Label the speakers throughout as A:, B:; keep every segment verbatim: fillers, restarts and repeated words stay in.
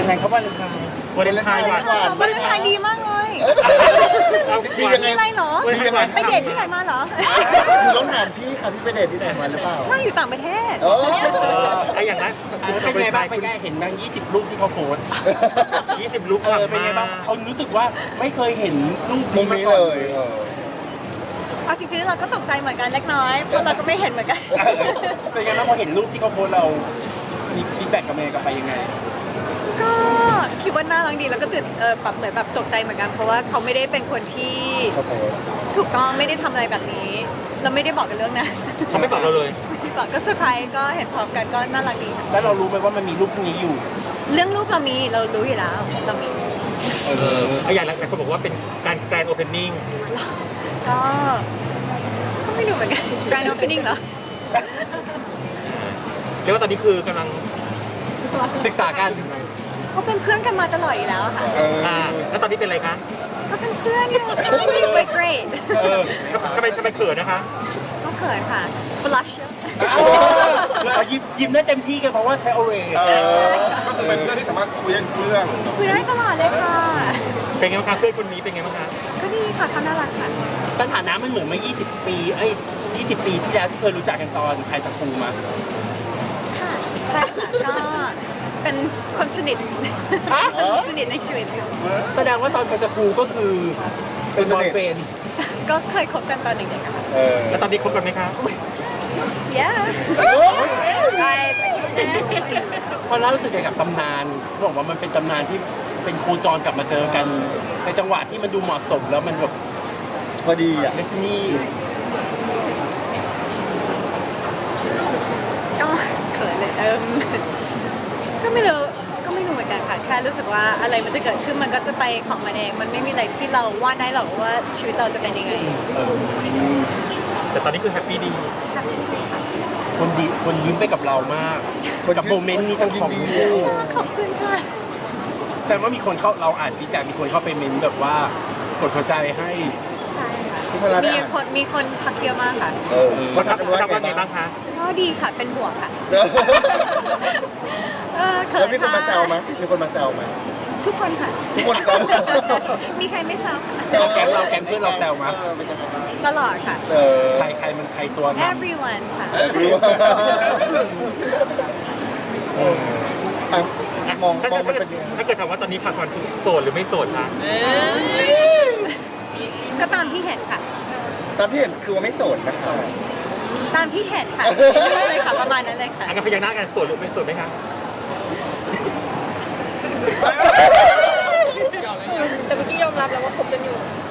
A: ยังไงครับวาเลนไทน์
B: วาเลนไทน์หวาน
C: วาเลนไทน์ดีมากเลย
B: ดียังไง
C: มีอะไรเหรอ
B: ดียังไง
C: ไปเดทที่ไหนมาเหรอ
D: หนูต้องถามพี่ค่ะพี่ไปเดทที่ไหนมาหรือเปล่า
C: ไม่อยู่ต่างประเทศ
D: โอ้
B: ไอ้อย่างนั้น
A: เป็นไงบ้างเป็นไงเห็นบางยี่สิบรูปที่เขาโพสต์
B: ยี่สิบลุก
A: เออเป็นไงบ้างเขารู้สึกว่าไม่เคยเห็นรูป
D: มุมนี้เลยเออ
C: เอาจริงๆเราก็ตกใจเหมือนกันเล็กน้อย เพราะเราก็ไม่เห็นเหมือนกัน
A: เป็นไงบ้างพอเห็นรูปที่เขาโพสต์เรามีฟีดแบ็กกับเมย์กลับไปยังไง
C: ก็คิดว่าน่ารักดีแล้วก็ตื่นเออแบบเหมือนแบบตกใจเหมือนกัน เพราะว่าเขาไม่ได้เป็นคนที่
D: ชอบโพสต์
C: ถูกต้องไม่ได้ทำอะไรแบบนี้ เราไม่ได้บอกกันเรื่องนะ
B: เขาไม่บอกเราเลย
C: ไม่ได้บอกก็เซอร์ไพรส์ก็เห็นพร้อมกันก็น่ารักดีค่ะ
A: แล้วเรารู้ไหมว่ามันมีรูปพวกนี้อยู่
C: เรื่องรูปเรามีเรารู้อยู่แล้วเรามี
B: เออไอ้อย่างนั้นเขาบอกว่าเป็นการแกรนด์โอเพนนิ่ง
C: ก็ก็ไม่รู้เหมือนกันการโอเพนนิ่งเหรอ
B: เรียกว่าตอนนี้คือกำลัง
A: ศึกษากัน
C: เขาเป็นเพื่อนกันมาตลอดอยู่แล้วค่ะ
B: อ่าแล้วตอนนี้เป็นอะไรคะ
C: ก็เป็นเพื่อนอยู่ไม่ great
A: เออ
B: ทำไมทำไมเขินนะคะ
C: ก็เขินค่ะ blush
A: เรายิ้มยิ้มได้เต็มที่กันเพราะว่าใช้โอเร
D: เออ
E: ก็คือเป็นเพื่อนที่สามารถคุยกันเรื่อง
C: คุยได้ตลอดเลยค่ะ
B: เป็นไงบ้างคะเพื่อนคนนี้เป็นไงบ้างคะ
C: ก็ดีค่ะเขาน่ารักค่ะ
A: สถานะมันเหมือนเมื่อยี่สิบ ปีเอ้ยยี่สิบ ปีที่แล้วที่เคยรู้จักกันตอนไฮสคูลมา
C: ค่ะใช่ค่ะก็เป็นคนสนิทสนิทในชีวิตอยู่
A: แสดงว่าตอนไฮสคูลก็คือเป็นบอยเฟรนด์
C: ก็เคยคบกันตอนเด็กๆอะค่ะ
D: เออ
B: แล้วตอนนี้คบกันไหมคะ
C: yeah right next
A: พอเรารู้สึกยังไงกับตำนานบอกว่ามันเป็นตำนานที่เป็นโคจรกลับมาเจอกันในจังหวะที่มันดูเหมาะสมแล้วมันแบบ
D: พอดีอ่ะ
A: เลสนี่
C: ก็เขินเลยเอมก็ไม่รู้ก็ไม่รู้เหมือนกันค่ะแค่รู้สึกว่าอะไรมันจะเกิดขึ้นมันก็จะไปของมันเองมันไม่มีอะไรที่เราวาดได้หรอกว่าชีวิตเราจะเป็นยังไง
B: แต่ตอนนี้คือแฮปปี้ดี
A: คนดีคนยิ้มไปกับเรามาก
D: คน
A: กับโมเมนต์นี้ของของ
D: คนยินดี
A: คู่
C: ขอบคุณค่ะ
A: แสดงว่ามีคนเข้าเราอ่านฟีดแบ็กมีคนเข้าไปเมนต์แบบว่ากดหัวใจให้
C: ใช่ค่ะ
D: ทุกคนรัก
C: มี
D: อ่ะ
C: คนมีคนทักเยอะมากค่ะ
D: เออเขา
B: เขา
D: ทัก
B: ทำ
D: กัน
B: เขา
D: ว่า
B: ทำว่าไง
D: ไง
B: บ้า
D: บ้าง ง
B: คะ
C: ก็ดีค่ะเป็นบวกค่ะ
D: เออ
C: เออเขิ
D: แล้ว
C: น
D: มีคนมาแซวไหม
C: ค่ะ
D: มีคนมาแซวไหม
C: ทุกคนค่ะ
D: ทุกคนแซว
C: มีใครไม่แซวค่ะ
A: เราแก๊งเราแก๊งเพื่อนเราแซวมา
D: เออเป็นยังไงบ้าง
C: ตลอดค่ะ
D: เออ
A: ใครใครมันใครตัวน
C: everyone ค่ะ
D: รู้ว่าอ่ะมอง
B: ถ้าม
D: อง
B: เกิ
D: มัน
B: ด
D: เป็นยังไง
B: ถ้าเกิดถามว่าตอนนี้พักผ่อนคือโสดหรือไม่โสดคะ
C: ก็ตามที่เห็นค่ะ
D: ตามที่เห็นคือว่าไม่โสดนะคะ
C: ตามที่เห็นค่ะเลยค่ะประมาณนั้นเลยค่ะ
B: อันนั้นพยักหน้ากันโสดหรือไม่โสดไหมคะ
F: แต่เมื่อกี้ยอมรับแล้วว่าคบกันอยู่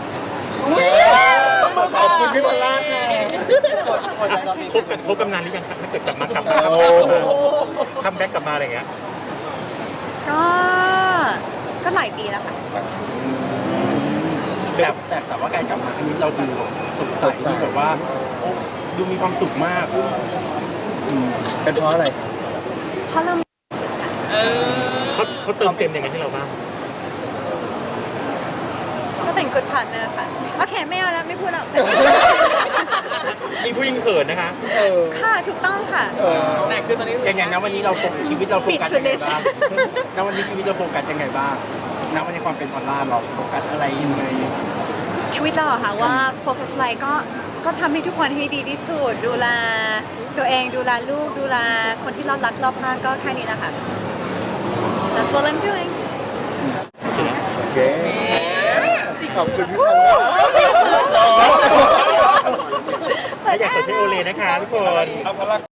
D: ขอบคุณพี่บอลล่าค่ะพอใจตอนนี้
B: คบกันคบกันนานหรือยังคะถ้าเกิดกลับมากลับมา
D: โอ้
B: คัมแบ็กกลับมาอะไรอย่างเงี้ย
C: ก็ก็หลายปีแล้วค่ะ
A: แต่แต่แต่ว่าการกลับมาครั้งนี้เราดูสดใสดูแบบว่าโอ้ดูมีความสุขมาก
D: เป็นเพราะอะไร
C: เพราะเรามีความสุขค่ะ
B: เขาเขาเติมเต็มยังไงให้เราบ้าง
C: ก็เป็น good partner ค่ะ โอเคไม่เอาแล้วไม่พูดแล้ว
B: มีผู้หญิงเขินนะคะ
D: เออ
C: ค่ะถูกต้องค่ะ
D: เออ
F: แต่คือตอนนี้
A: อย่างอย่างนั้นวันนี้เราโฟกัสชีวิตเราโฟกัส
C: ปิดสุด
A: ยัง
C: เล
A: ไง
C: ย
A: บ้างณวันนี้ชีวิตเราโฟกัสยังไงบ้างณวันนี้ความเป็นออนไลน์เราโฟกัสอะไรยังไง
C: ชีวิตเราอะค่ะว่าโฟกัสอะไรก็ก็ทำให้ทุกคนให้ดีที่สุด ดูแลตัวเองดูแลลูกดูแลคนที่เรารักรอบข้างก็แค่นี้นะคะ That's what I'm doing
D: โอเคขอบคุณพี่บอลล่า
B: ถ้าอยากจะใช้โอเลนะคะทุกคน
E: เอาพลัง